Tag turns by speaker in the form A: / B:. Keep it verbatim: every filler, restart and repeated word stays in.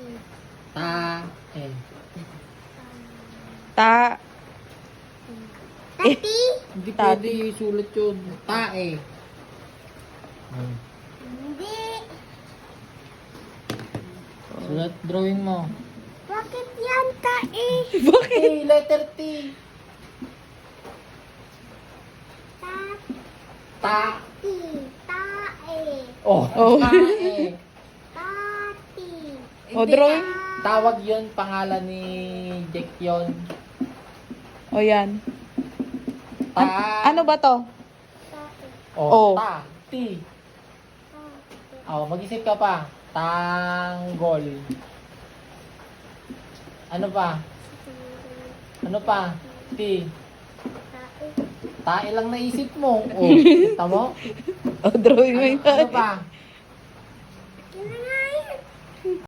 A: Ta. Eh.
B: Ta.
C: Tati?
A: Hindi
B: Tati.
A: pwede isulat yun. Ta eh. Hmm.
C: Hindi.
A: Sulat drawing mo.
C: Bakit yan, tae?
B: Bakit?
A: T, letter T. Ta.
C: Tati. Tae.
A: Oh,
B: Oh.
A: ta eh.
C: Tati.
B: O,
A: Hindi.
B: drawing.
A: Tawag yun, pangalan ni Jack yun.
B: O, yan.
A: Ta.
B: Ano ba to?
C: Tae.
A: Oh,
B: Oh.
A: ta. T.
C: Tati.
A: Oh, mag-isip ka pa. Tanggol. Ano pa? Ano pa? T.
C: Tae.
A: Tae lang naisip mo. Oh, kita mo?
B: O, drawing mo
A: Ano,
B: yun.
A: ano pa?